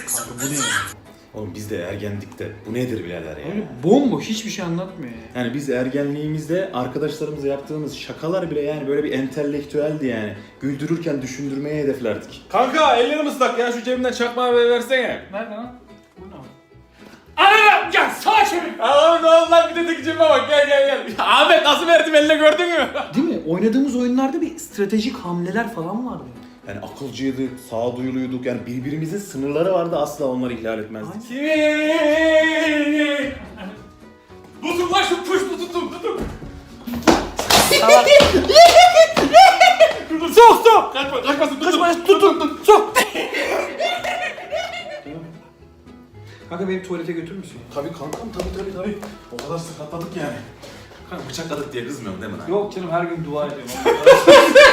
Kanka bu ne ya? Oğlum biz de ergendikte. Bu nedir birader ya? Öyle bomboş hiçbir şey anlatmıyor ya. Yani biz ergenliğimizde arkadaşlarımızla yaptığımız şakalar bile yani böyle bir entelektüeldi yani. Güldürürken düşündürmeye hedeflerdik. Kanka ellerim ıslak ya, şu cebimden çakmağı versene. Nerede lan? Bu ne? Ana! Ya sağa çevir! Oğlum ne oldu lan, bir de tek cebime bak, gel. Ahmet nasıl verdim eline, gördün mü? Değil mi? Oynadığımız oyunlarda bir stratejik hamleler falan vardı. Yani akılcıydık, sağduyuluyduk yani birbirimizin sınırları vardı, asla onları ihlal etmezdik. Tutun lan şu push tutun. Sok! Kaçmasın, tutun. Sok! Kanka beni tuvalete götürür müsün? Tabii kankam, tabii. O kadar sakatladık yani. Kanka bıçakladık diye kızmıyorum değil mi lan? Yok canım, her gün dua ediyorum.